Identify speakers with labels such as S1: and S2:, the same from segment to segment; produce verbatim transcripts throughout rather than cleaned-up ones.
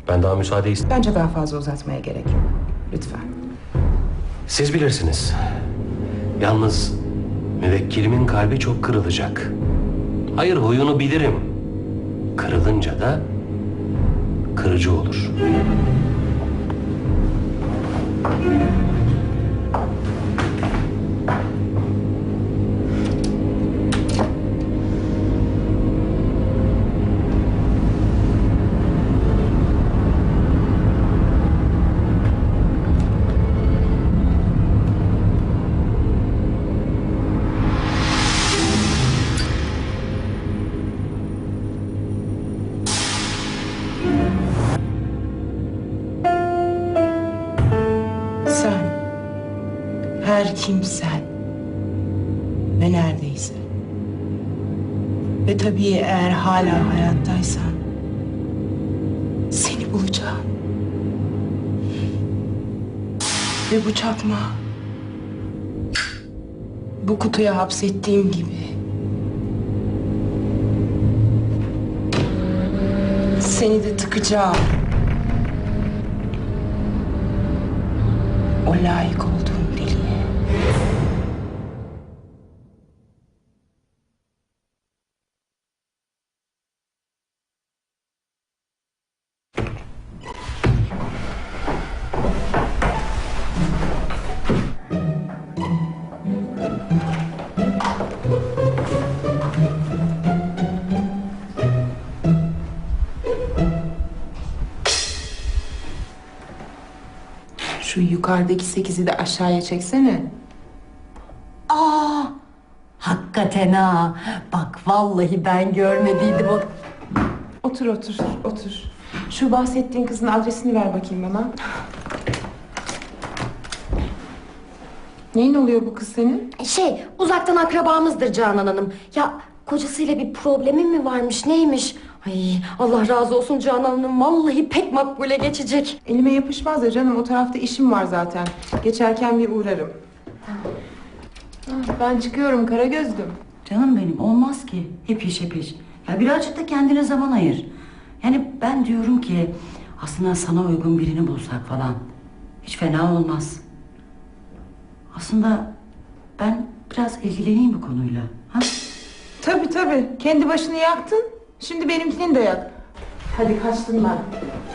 S1: Ben daha müsaade istedim.
S2: Bence daha fazla uzatmaya gerek yok. Lütfen.
S1: Siz bilirsiniz. Yalnız müvekkilimin kalbi çok kırılacak. Hayır, huyunu bilirim. Kırılınca da kırıcı olur.
S2: Sen, her kimsen ve neredeyse ve tabii eğer hala hayattaysan seni bulacağım. Ve bu çakma bu kutuya hapsettiğim gibi seni de tıkacağım. O layık olduğun deliğe. Şu yukarıdaki sekizi de aşağıya çeksene.
S3: Aa, hakikaten ha. Bak vallahi ben görmediydim o.
S2: Otur otur otur. Şu bahsettiğin kızın adresini ver bakayım bana. Neyin oluyor bu kız senin?
S3: Şey, uzaktan akrabamızdır Canan Hanım. Ya kocasıyla bir problemin mi varmış, neymiş? Ay Allah razı olsun Canan Hanım. Vallahi pek makbule geçecek.
S2: Elime yapışmaz ya canım, o tarafta işim var zaten. Geçerken bir uğrarım. Ah, ben çıkıyorum Karagözlüm.
S4: Canım benim, olmaz ki. Hep iş hep iş. Ya birazcık da kendine zaman ayır. Yani ben diyorum ki aslında sana uygun birini bulsak falan. Hiç fena olmaz. Aslında ben biraz ilgileneyim bu konuyla. Ha?
S2: Tabii tabii, kendi başını yaktın. Şimdi benimkini de yak. Hadi kaçtım ben.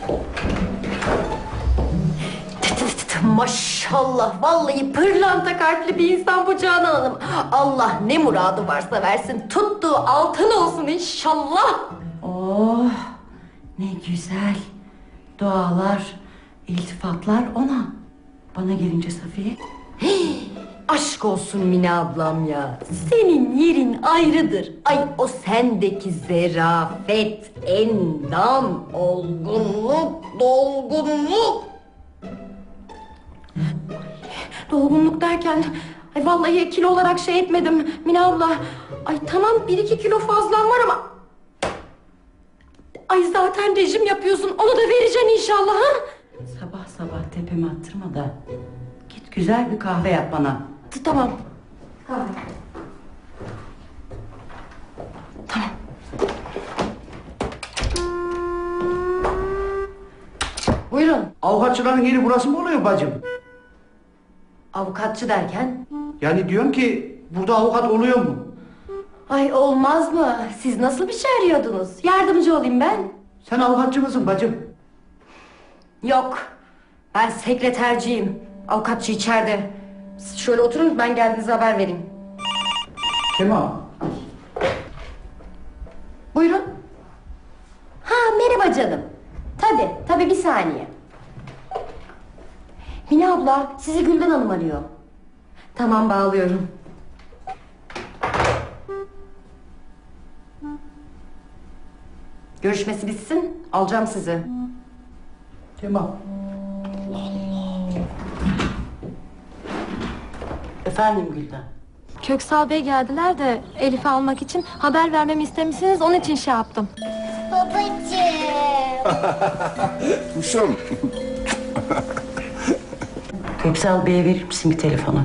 S3: Maşallah vallahi pırlanta kalpli bir insan bu Canan Hanım. Allah ne muradı varsa versin. Tuttuğu altın olsun inşallah.
S4: Oh, ne güzel. Dualar, iltifatlar ona. Bana gelince Safiye.
S3: Aşk olsun Mine ablam ya. Senin yerin ayrıdır. Ay o sendeki zerafet, endam, olgunluk, dolgunluk. Dolgunluk derken ay vallahi kilo olarak şey etmedim Mine abla. Ay tamam bir iki kilo fazlan var ama ay zaten rejim yapıyorsun, onu da vereceksin inşallah ha?
S4: Sabah sabah tepeme attırma da git güzel bir kahve yap bana.
S3: T- Tamam. Kahve. Tamam. Buyurun.
S5: Avukatçıların yeri burası mı oluyor bacım?
S3: Avukatçı derken?
S5: Yani diyorum ki burada avukat oluyor mu?
S3: Ay olmaz mı? Siz nasıl bir şey arıyordunuz? Yardımcı olayım ben.
S5: Sen avukatçı mısın bacım?
S3: Yok. Ben sekreterciyim. Avukatçı içeride. Siz şöyle oturun, ben geldiğinizde haber vereyim.
S5: Tamam.
S3: Buyurun. Ha merhaba canım. Tabii tabii bir saniye. Mine abla sizi Gülden Hanım arıyor. Tamam bağlıyorum. Görüşmesi bitsin, alacağım sizi.
S5: Tamam.
S4: Efendim Gülden.
S6: Köksal Bey geldiler de Elif'i almak için haber vermemi istemişsiniz, onun için şey yaptım.
S3: Babacığım.
S7: Kuşum.
S4: Köksal Bey'e verir misin bir telefonu?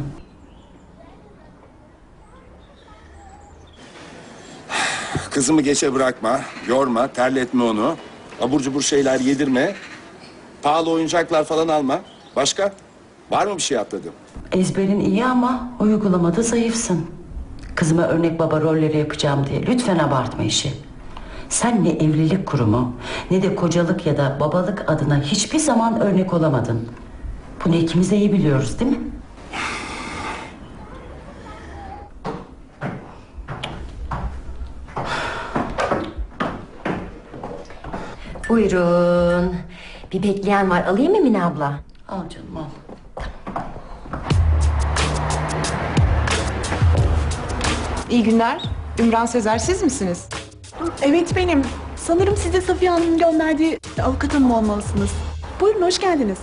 S7: Kızımı geçe bırakma, yorma, terletme onu. Abur cubur şeyler yedirme. Pahalı oyuncaklar falan alma. Başka? Var mı bir şey atladım?
S4: Ezberin iyi ama uygulamada zayıfsın. Kızıma örnek baba rolleri yapacağım diye lütfen abartma işi. Sen ne evlilik kurumu ne de kocalık ya da babalık adına hiçbir zaman örnek olamadın. Bunu ikimiz de iyi biliyoruz değil mi?
S3: Buyurun. Bir bekleyen var. Alayım mı Mine abla?
S4: Al canım al.
S2: İyi günler. Ümran Sezer siz misiniz?
S8: Evet benim. Sanırım siz de Safiye Hanım'ın gönderdiği avukat hanım olmalısınız. Buyurun hoş geldiniz.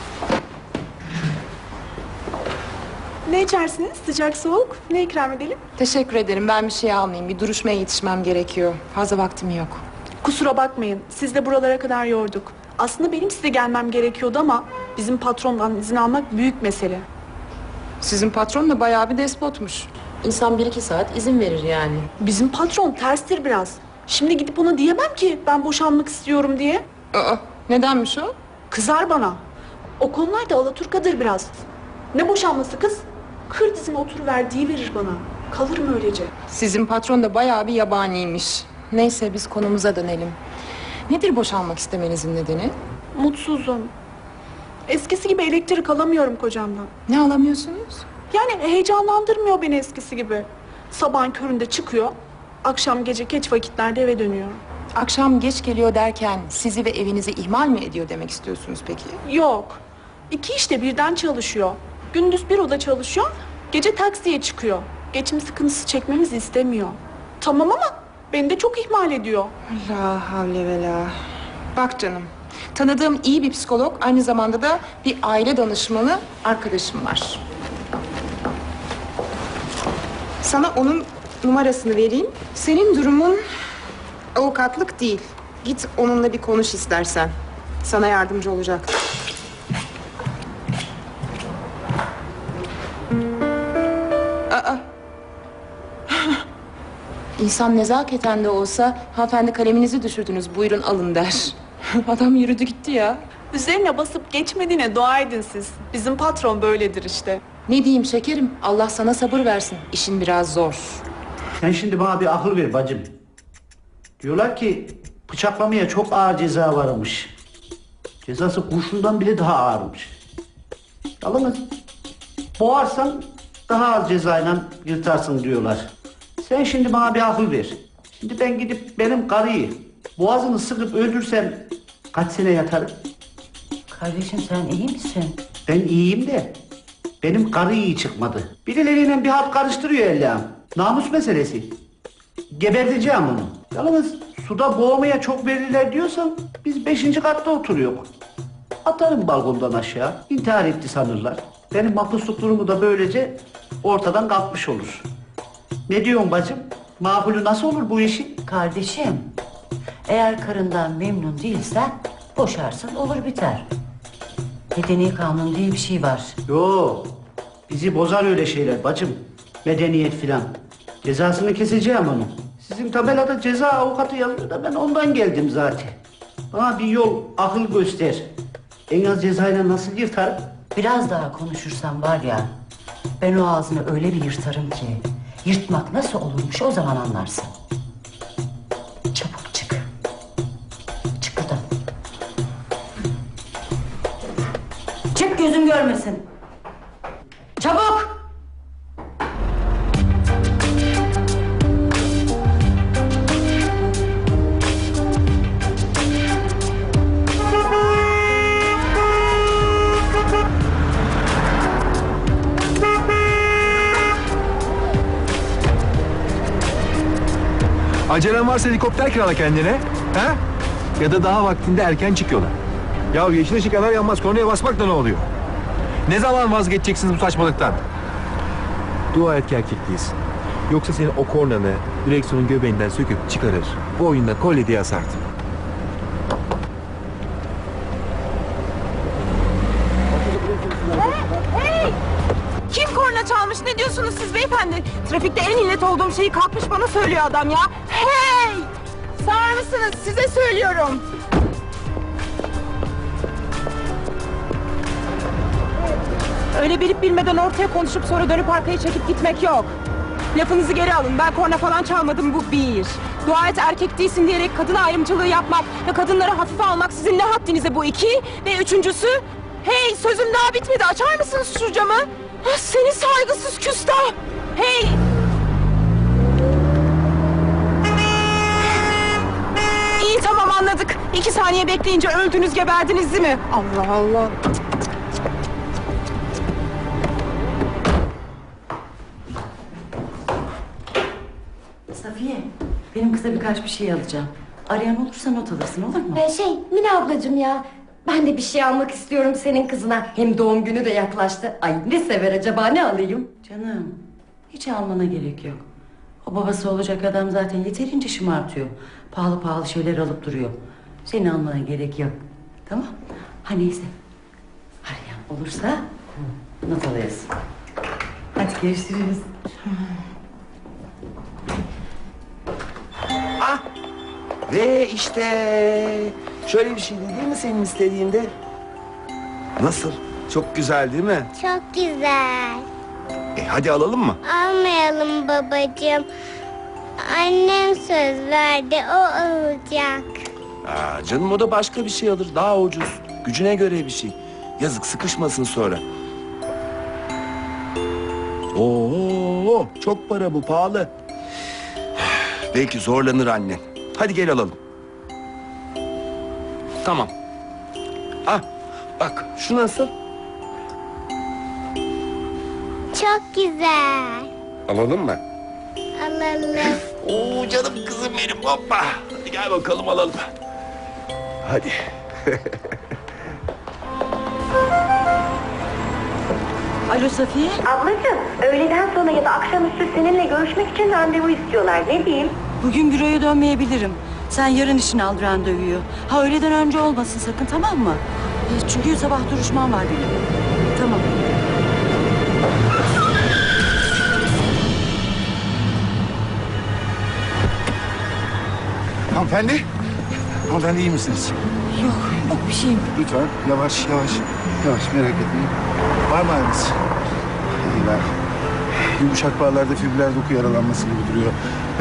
S8: Ne içersiniz? Sıcak soğuk? Ne ikram edelim?
S2: Teşekkür ederim. Ben bir şey almayayım. Bir duruşmaya yetişmem gerekiyor. Fazla vaktim yok.
S8: Kusura bakmayın. Siz de buralara kadar yorduk. Aslında benim size gelmem gerekiyordu ama bizim patrondan izin almak büyük mesele.
S2: Sizin patron da bayağı bir despotmuş. İnsan bir iki saat izin verir yani.
S8: Bizim patron terstir biraz. Şimdi gidip ona diyemem ki ben boşanmak istiyorum diye.
S2: Aa, nedenmiş o?
S8: Kızar bana. O konularda alaturkadır biraz. Ne boşanması kız? Kır dizine oturuver diyiverir bana. Kalırım öylece.
S2: Sizin patron da bayağı bir yabaniymiş. Neyse biz konumuza dönelim. Nedir boşanmak istemenizin nedeni?
S8: Mutsuzum. Eskisi gibi elektrik alamıyorum kocamdan.
S2: Ne alamıyorsunuz?
S8: Yani heyecanlandırmıyor beni eskisi gibi. Sabahın köründe çıkıyor, akşam gece geç vakitlerde eve dönüyor.
S2: Akşam geç geliyor derken sizi ve evinizi ihmal mi ediyor demek istiyorsunuz peki?
S8: Yok. İki işte birden çalışıyor. Gündüz bir oda çalışıyor, gece taksiye çıkıyor. Geçim sıkıntısı çekmemizi istemiyor. Tamam ama beni de çok ihmal ediyor.
S2: La havle ve la. Bak canım, tanıdığım iyi bir psikolog, aynı zamanda da bir aile danışmanı arkadaşım var. Sana onun numarasını vereyim. Senin durumun avukatlık değil. Git onunla bir konuş istersen. Sana yardımcı olacak. Aa. İnsan nezaketen de olsa hanımefendi kaleminizi düşürdünüz buyurun alın der. Adam yürüdü gitti ya.
S8: Üzerine basıp geçmediğine dua edin siz. Bizim patron böyledir işte.
S2: Ne diyeyim şekerim Allah sana sabır versin. İşin biraz zor.
S5: Sen şimdi bana bir akıl ver bacım. Diyorlar ki bıçaklamaya çok ağır ceza varmış. Cezası kurşundan bile daha ağırmış. Yalnız boğarsan daha az cezayla yırtarsın diyorlar. Sen şimdi bana bir akıl ver. Şimdi ben gidip benim karıyı boğazını sıkıp öldürsem kaç sene yatarım?
S4: Kardeşim sen iyi misin?
S5: Ben iyiyim de benim karı iyi çıkmadı. Birileriyle bir halt karıştırıyor Allah'ım. Namus meselesi. Geberteceğim onu. Yalnız suda boğmaya çok verirler diyorsan biz beşinci katta oturuyoruz. Atarım balkondan aşağı. İntihar etti sanırlar. Benim mahpusluk durumu da böylece ortadan kalkmış olur. Ne diyorsun bacım? Makbulü nasıl olur bu işin?
S4: Kardeşim, eğer karından memnun değilsen boşarsın olur biter. Medeni kanun diye bir şey var.
S5: Yo, bizi bozar öyle şeyler bacım. Medeniyet filan. Cezasını keseceğim onu. Sizin tabelada ceza avukatı yazıyor da ben ondan geldim zaten. Bana bir yol, akıl göster. En az cezayla nasıl yırtarım?
S4: Biraz daha konuşursan var ya, ben o ağzını öyle bir yırtarım ki, yırtmak nasıl olurmuş o zaman anlarsın. Çabuk çık. Çık buradan. Çık gözüm görmesin. Çabuk!
S9: Acelen varsa helikopter kirala kendine. Ha? Ya da daha vaktinde erken çıkıyorlar. Ya yeşil ışık yanar yanmaz kornaya basmak da ne oluyor? Ne zaman vazgeçeceksiniz bu saçmalıktan? Dua et ki erkek değilsin. Yoksa seni o kornanı direksiyonun göbeğinden söküp çıkarır. Bu oyunda kolye diye asardım.
S2: Kim korna çalmış ne diyorsunuz siz beyefendi? Trafikte en illet olduğum şeyi kalkmış bana söylüyor adam ya. Hey! Sakin! açar mısınız? Size söylüyorum. Öyle bilip bilmeden ortaya konuşup sonra dönüp arkaya çekip gitmek yok. Lafınızı geri alın. Ben korna falan çalmadım, bu bir. Dua et erkek değilsin diyerek kadın ayrımcılığı yapmak ve kadınları hafife almak sizin ne haddinize, bu iki. Ve üçüncüsü, hey sözüm daha bitmedi, açar mısınız şu camı? Ah, seni saygısız küstah. Hey. İyi tamam anladık. İki saniye bekleyince öldünüz geberdiniz değil mi? Allah Allah.
S4: Safiye, benim kıza birkaç bir şey alacağım. Arayan olursa not alırsın, olur mu?
S3: Ee, şey Mine ablacığım ya, ben de bir şey almak istiyorum senin kızına. Hem doğum günü de yaklaştı. Ay ne sever acaba, ne alayım?
S4: Canım, hiç almana gerek yok. O babası olacak adam zaten yeterince şımartıyor. Pahalı pahalı şeyler alıp duruyor. Senin almana gerek yok. Tamam? Ha neyse. Arayan olursa not alıyorsun. Hadi görüşürüz.
S10: Ve işte şöyle bir şey değil mi senin istediğinde? Nasıl? Çok güzel değil mi?
S11: Çok güzel.
S10: E hadi alalım mı?
S11: Almayalım babacığım. Annem söz verdi, o alacak.
S10: Aa, canım o da başka bir şey alır. Daha ucuz. Gücüne göre bir şey. Yazık sıkışmasın sonra. Oo, çok para bu, pahalı. Belki zorlanır annen. Hadi gel alalım. Tamam. Ah, bak şu nasıl?
S11: Çok güzel.
S10: Alalım mı?
S11: Alalım.
S10: Oo canım kızım benim, hoppa. Hadi gel bakalım alalım. Hadi.
S4: Alo Safiye.
S3: Ablacığım, öğleden sonra ya da akşamüstü seninle görüşmek için randevu istiyorlar. Ne diyeyim?
S4: Bugün büroya dönmeyebilirim. Sen yarın için al randevuyu. Ha öğleden önce olmasın sakın, tamam mı? E, Çünkü sabah duruşmam var benim. Tamam.
S9: Hanımefendi. Hanımefendi iyi misiniz?
S4: Yok, yok bir şeyim.
S9: Lütfen yavaş yavaş. Yavaş, merak etmeyin. Var mı ağrınız? İyi var. Yumuşak bağlarda fibriller doku yaralanması gibi duruyor.